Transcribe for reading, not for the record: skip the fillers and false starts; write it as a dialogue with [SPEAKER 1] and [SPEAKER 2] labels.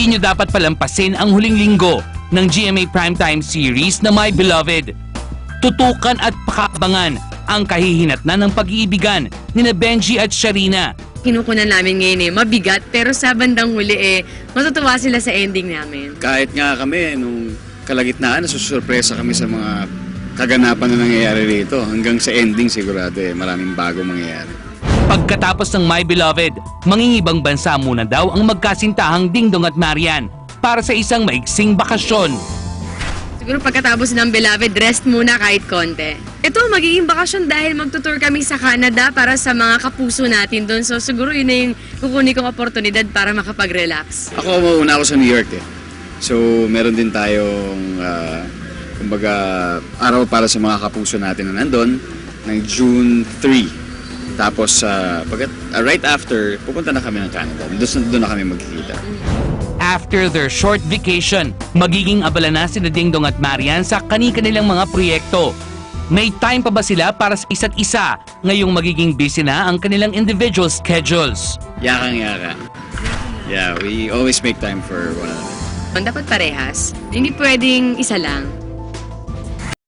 [SPEAKER 1] hindi nyo dapat palampasin ang huling linggo ng GMA Primetime Series na My Beloved. Tutukan at pakaabangan ang kahihinatnan ng pag-iibigan ni Benji at Sharina.
[SPEAKER 2] Kinukunan namin ngayon mabigat, pero sa bandang huli matutuwa sila sa ending namin.
[SPEAKER 3] Kahit nga kami, nung kalagitnaan, nasusurpresa kami sa mga kaganapan na nangyayari rito. Hanggang sa ending sigurado maraming bago mangyayari.
[SPEAKER 1] Pagkatapos ng My Beloved, mangingibang bansa muna daw ang magkasintahang Dingdong at Marian para sa isang maiksing bakasyon.
[SPEAKER 2] Siguro pagkatapos ng Beloved, rest muna kahit konti. Ito, magiging bakasyon dahil magtutour kami sa Canada para sa mga kapuso natin doon. So siguro yun na yung kukunin kong oportunidad para makapag-relax.
[SPEAKER 3] Ako, mauna ako sa New York So, meron din tayong, kumbaga, araw para sa mga kapuso natin na nandun, ng June 3. Tapos, right after, pupunta na kami ng Canada. Doon na kami magkikita.
[SPEAKER 1] After their short vacation, magiging abala na sina Dingdong at Marian sa kani-kanilang mga proyekto. May time pa ba sila para sa isa't isa ngayong magiging busy na ang kanilang individual schedules?
[SPEAKER 3] Yakang-yaka. Yeah, we always make time for one another.
[SPEAKER 2] Dapat parehas. Hindi pwedeng isa lang.